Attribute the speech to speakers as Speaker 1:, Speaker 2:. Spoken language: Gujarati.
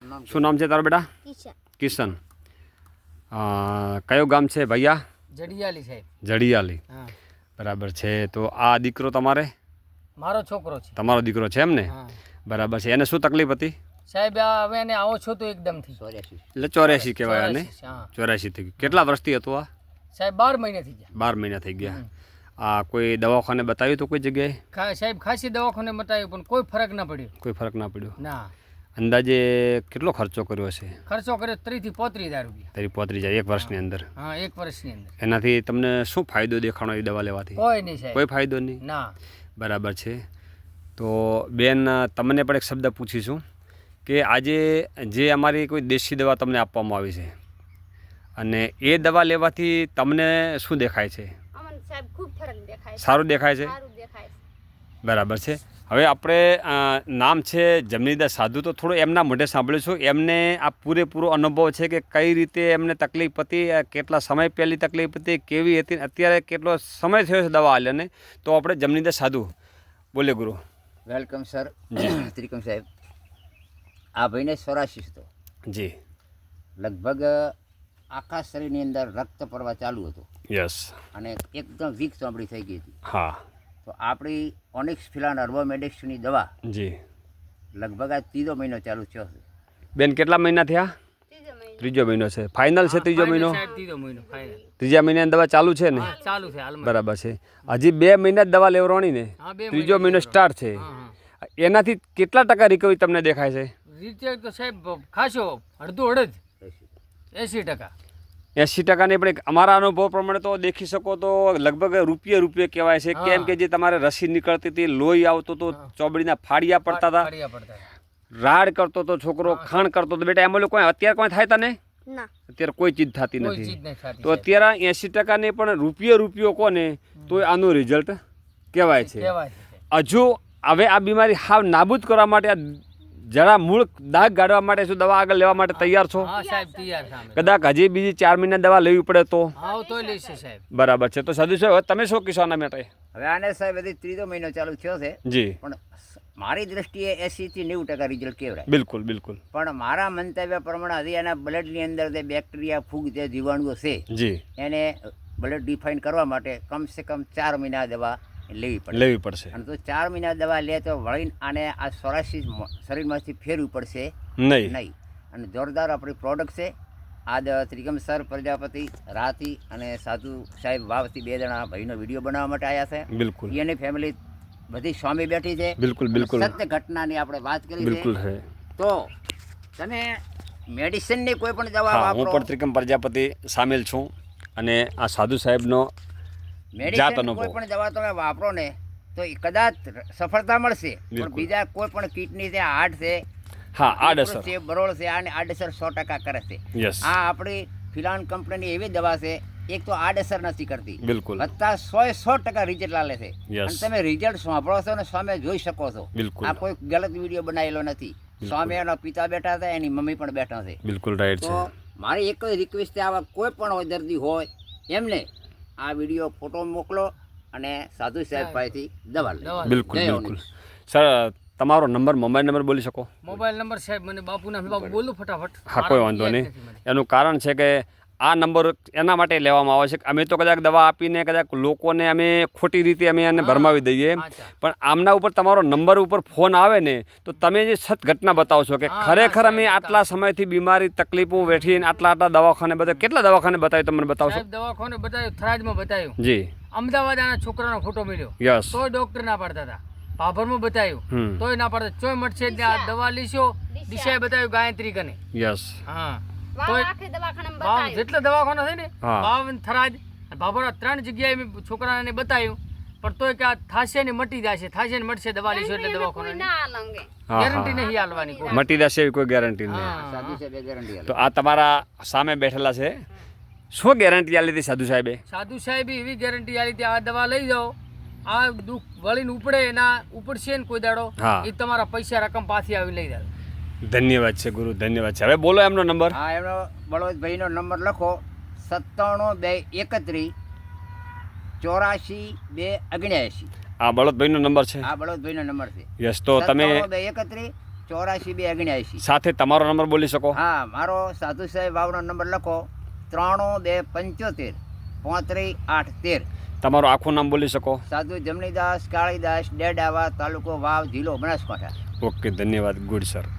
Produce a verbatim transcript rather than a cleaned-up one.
Speaker 1: શું નામ છે તારો બેટા?
Speaker 2: કિશન.
Speaker 1: કિશન. કયો ગામ છે ભૈયા?
Speaker 3: જડિયાલી સાહેબ.
Speaker 1: જડિયાલી.
Speaker 3: હા
Speaker 1: બરાબર છે. તો આ દીકરો તમારે?
Speaker 3: મારો છોકરો છે.
Speaker 1: તમારો દીકરો છે એમ ને?
Speaker 3: હા
Speaker 1: બરાબર છે. એને શું તકલીફ હતી
Speaker 3: સાહેબ? આ હવે એને આવો છો તો એકદમથી
Speaker 1: એટલે ચોર્યાસી કહેવાય આને.
Speaker 3: હા
Speaker 1: ચોર્યાસી થઈ ગયું. કેટલા વર્ષથી હતું આ?
Speaker 3: સાહેબ બાર મહિને થઈ ગયા.
Speaker 1: બાર મહિના થઈ ગયા. આ કોઈ દવાખાને બતાવ્યું તો કોઈ જગ્યાએ?
Speaker 3: ખા- સાહેબ ખાસી દવાખાને બતાવ્યું પણ કોઈ ફરક ના પડ્યો.
Speaker 1: કોઈ ફરક ના પડ્યો?
Speaker 3: ના.
Speaker 1: અંદાજે કેટલો ખર્ચો કર્યો હશે?
Speaker 3: ખર્ચો કર્યો ત્રીસ થી પોત્રીસ હજાર રૂપિયા.
Speaker 1: તારી પોતરી જાય એક વર્ષની અંદર.
Speaker 3: હા એક વર્ષની અંદર.
Speaker 1: એનાથી તમને શું ફાયદો દેખાણો એ દવા લેવાથી?
Speaker 3: કોઈ નહીં સાહેબ.
Speaker 1: કોઈ ફાયદો નહીં.
Speaker 3: ના.
Speaker 1: બરાબર છે. તો બેન તમને પણ એક શબ્દ પૂછીશું કે આજે જે અમારી કોઈ દેશી દવા તમને આપવામાં આવી છે અને એ દવા લેવાથી તમને શું દેખાય છે?
Speaker 2: અમને સાહેબ ખૂબ ફરક દેખાય છે.
Speaker 1: સારું દેખાય છે?
Speaker 2: સારું દેખાય છે.
Speaker 1: બરાબર છે. હવે આપણે નામ છે જમનીદાસ સાધુ, તો થોડું એમના મોઢે સાંભળીશું. એમને આ પૂરેપૂરો અનુભવ છે કે કઈ રીતે એમને તકલીફ હતી, કેટલા સમય પહેલી તકલીફ હતી, કેવી હતી, અત્યારે કેટલો સમય થયો છે દવા આલ્યાને. તો આપણે જમનીદાસ સાધુ બોલે ગુરુ.
Speaker 4: Welcome sir. ત્રિકમ સાહેબ, આ ભાઈને સોરાશીસ હતો
Speaker 1: જી.
Speaker 4: લગભગ આખા શરીરની અંદર રક્ત પ્રવાહ ચાલુ હતો
Speaker 1: યસ.
Speaker 4: અને એકદમ વીક ચામડી થઈ ગઈ હતી.
Speaker 1: હા
Speaker 4: તો આપણી ઓનિક્સ ફિલાન અર્બોમેડિક્સની દવા
Speaker 1: જી.
Speaker 4: લગભગ આ ત્રીજો મહિનો ચાલુ થયો છે.
Speaker 1: બેન કેટલા મહિના થયા?
Speaker 2: ત્રીજો મહિનો.
Speaker 1: ત્રીજો મહિનો છે. ફાઇનલ છે ત્રીજો મહિનો?
Speaker 3: સાહેબ ત્રીજો મહિનો ફાઇનલ.
Speaker 1: ત્રીજા મહિનાની દવા ચાલુ છે ને?
Speaker 3: હા ચાલુ છે હાલમાં.
Speaker 1: બરાબર છે. હજી બે મહિના જ દવા લેવડાવવાની ને?
Speaker 3: હા બે
Speaker 1: ત્રીજો મહિનો સ્ટાર્ટ છે.
Speaker 3: હા હા.
Speaker 1: એનાથી કેટલા ટકા રિકવરી તમને દેખાય છે?
Speaker 3: રીતે તો સાહેબ ખાસો અડધો અડધ એસી ટકા.
Speaker 1: એંસી ટકાને પણ એક અમારા અનુભવ પ્રમાણે તો દેખી શકો તો લગભગ રૂપિયે રૂપિયે કહેવાય છે. કેમ કે જે તમારે રસી નીકળતી હતી, લોહી આવતો હતો, ચોબડીના ફાડિયા પડતા હતા,
Speaker 3: ફાડિયા પડતા.
Speaker 1: રાડ કરતો હતો છોકરો, ખાણ કરતો હતો. બેટા એમાં કોઈ અત્યારે કોઈ થાય તને?
Speaker 2: ના.
Speaker 1: અત્યારે કોઈ ચીજ થતી
Speaker 3: કોઈ ચીજ
Speaker 1: નથી.
Speaker 3: નહીં થતી.
Speaker 1: તો અત્યારે એંસી ટકાને પણ રૂપિયે રૂપિયો કોને તો આનું રિઝલ્ટ કહેવાય છે.
Speaker 3: કહેવાય છે.
Speaker 1: હજુ હવે આ બીમારી હાવ નાબૂદ કરવા માટે, આ જરા મૂળ દાગ ગાળવા માટે શું દવા આગળ લેવા માટે તૈયાર છો?
Speaker 3: હા સાહેબ તૈયાર છે અમે.
Speaker 1: કદાચ હજી બીજી ચાર મહિના દવા લેવી પડે તો?
Speaker 3: હા તો લેશે સાહેબ.
Speaker 1: બરાબર છે. તો સાધુ સાહેબ હવે તમે શું કહેશો આના માટે?
Speaker 4: હવે આને સાહેબ હજી ત્રીજો મહિનો ચાલુ થયો છે,
Speaker 1: જી.
Speaker 4: પણ મારી દ્રષ્ટિએ એંસીથી નેવું ટકા રિઝલ્ટ કહેવાય.
Speaker 1: બિલકુલ બિલકુલ.
Speaker 4: પણ મારા મંતવ્ય પ્રમાણે હજી એના બ્લડની અંદર જે બેક્ટેરિયા, ફૂગ, જે જીવાણુઓ છે
Speaker 1: જી
Speaker 4: એને બ્લડ ડિફાઇન કરવા માટે કમસે કમ ચાર મહિના દવા લેવી પડે.
Speaker 1: લેવી પડશે.
Speaker 4: અને તો ચાર મહિના દવા લે તો વળીને આને આ સોરાશીસ શરીરમાંથી ફેરવું પડશે
Speaker 1: નહીં.
Speaker 4: નહીં. અને જોરદાર આપણી પ્રોડક્ટ છે. આ દ- ત્રિગમ સર પ્રજાપતિ રાતી અને સાધુ સાહેબ વાવથી બે જણા ભાઈનો વિડીયો બનાવવા માટે આવ્યા છે.
Speaker 1: બિલકુલ
Speaker 4: એની ફેમિલી બધી સ્વામી બેઠી છે.
Speaker 1: બિલકુલ બિલકુલ
Speaker 4: સત્ય ઘટનાની આપણે વાત કરી
Speaker 1: બિલકુલ
Speaker 4: છે.
Speaker 1: છે.
Speaker 4: તો તમે મેડિસિનની કોઈ પણ દવા
Speaker 1: હા, હું
Speaker 4: વાપરો,
Speaker 1: પણ ત્રિકમ પ્રજાપતિ સામેલ છું અને આ સાધુ સાહેબનો જાત
Speaker 4: મેડિસિન
Speaker 1: અનુભવ.
Speaker 4: કોઈ પણ દવા તમે વાપરો ને તો એ કદાચ સફળતા મળશે, પણ
Speaker 1: બિલકુલ.
Speaker 4: બીજા કોઈ પણ કિડની છે, હાર્ટ છે,
Speaker 1: હા આડઅસર.
Speaker 4: છે, બરોળ છે, આને આડઅસર સો ટકા કરે છે.
Speaker 1: યસ.
Speaker 4: આ આપણી ફિલાન કંપનીની એવી દવા છે, એક તો આડઅસર નથી કરતી,
Speaker 1: બિલકુલ
Speaker 4: વત્તા સો એ સો ટકા રિઝલ્ટ આલે છે.
Speaker 1: Yes.
Speaker 4: અને તમે રિઝલ્ટ સાંભળો છો ને સામે જોઈ શકો છો.
Speaker 1: બિલકુલ.
Speaker 4: આ કોઈ ગલત વિડીયો બનાવેલો નથી. સામે એના પિતા બેઠા હતા, એની મમ્મી પણ બેઠા છે.
Speaker 1: બિલકુલ રાઈટ
Speaker 4: તો
Speaker 1: છે.
Speaker 4: મારી એક જ રિક્વેસ્ટ છે, આવા કોઈ પણ હોય દર્દી હોય એમને આ વિડીયો ફોટો મોકલો અને સાધુ સાહેબ પાસેથી દવા લે.
Speaker 3: દવા.
Speaker 1: બિલકુલ
Speaker 4: જય
Speaker 1: બિલકુલ. સર તમારો નંબર, મોબાઈલ નંબર બોલી શકો?
Speaker 3: મોબાઈલ નંબર સાહેબ મને બાપુના બાપુ બોલું ફટાફટ.
Speaker 1: હા કોઈ વાંધો નહીં. એનું કારણ છે કે આ નંબર એના માટે લેવામાં આવે છે કે અમે તો કદાચ દવા આપીને કદાચ લોકોને અમે ખોટી રીતે અમે એને ભરમાવી દઈએ, પણ આમના ઉપર તમારો નંબર ઉપર ફોન આવે ને તો તમે જે સત ઘટના બતાવો છો કે ખરેખર અમે આટલા સમયથી બીમારી તકલીફો વેઠીને આટલા આટલા દવાખાને બતાવ્યું. કેટલા દવાખાને બતાવ્યું તમને બતાવશો?
Speaker 3: સાહેબ દવાખાને બતાવ્યું, થરાજમાં બતાવ્યું,
Speaker 1: જી.
Speaker 3: અમદાવાદ આના છોકરાનો ફોટો મળ્યો,
Speaker 1: યસ.
Speaker 3: તોય ડોક્ટર ના પાડતા હતા. ભાભરમાં બતાવ્યું,
Speaker 1: હમ.
Speaker 3: તોય ના પાડતા. ચોય મળશે ત્યાં દવા લીશો, દિશાએ બતાવ્યું ગાયત્રી કને.
Speaker 1: યસ.
Speaker 3: હા
Speaker 2: વાવ
Speaker 3: તોય
Speaker 2: આખે દવાખાનામાં
Speaker 3: બાવ
Speaker 2: બતાવ્યું.
Speaker 3: જેટલા દવાખાના છે ને,
Speaker 1: હા.
Speaker 3: બાવ અને થરાજ અને ભાભરા ત્રણ જગ્યાએ મેં છોકરાને બતાવ્યું, પણ તોય કે આ થાશે ને મટી જશે, થાશે ને મટશે દવા લીશો એટલે
Speaker 2: કોઈ
Speaker 3: દવાખાના
Speaker 2: ના આલંગે.
Speaker 1: હા
Speaker 3: ગેરંટી
Speaker 1: હા.
Speaker 3: નહીં હાલવાની કોઈ.
Speaker 1: મટી જશે એવી કોઈ ગેરંટી નહીં.
Speaker 3: હા.
Speaker 4: સાધુ સાહેબ ગેરંટી
Speaker 1: તો આ તમારા સામે બેઠેલા છે, શું ગેરંટી આલી હતી સાધુ સાહેબે?
Speaker 3: સાધુ સાહેબ એવી ગેરંટી આલી હતી, આ દવા લઈ જાઓ, આ દુઃખ વળીને ઉપડે ના ઉપડશે ને કોઈ દાડો,
Speaker 1: હા.
Speaker 3: એ તમારા પૈસા રકમ પાછી આવી લઈ જાય.
Speaker 1: ધન્યવાદ છે ગુરુ, ધન્યવાદ છે. હવે બોલો એમનો નંબર.
Speaker 4: હા, એમનો બળવંતભાઈનો નંબર લખો: સત્તાણું બે એકત્રીસ ચોરાશી બે ઓગણ્યાસી.
Speaker 1: આ બળદભાઈનો નંબર છે.
Speaker 4: આ બળવંતભાઈનો નંબર છે.
Speaker 1: યસ. તો તમે
Speaker 4: સત્તાણું બે એકત્રીસ ચોરાશી બે ઓગણ્યાસી.
Speaker 1: સાથે તમારો નંબર બોલી શકો?
Speaker 4: હા, મારો સાધુ સાહેબ વાવનો નંબર લખો ત્રાણું બે પંચોતેર પોત્રીસ આઠ તેર.
Speaker 1: તમારું આખું નામ બોલી શકો?
Speaker 4: સાધુ જમણીદાસ કાળીદાસ ડેડાવા, તાલુકો વાવ, જિલ્લો બનાસકાંઠા.
Speaker 1: ઓકે, ધન્યવાદ. Good sir.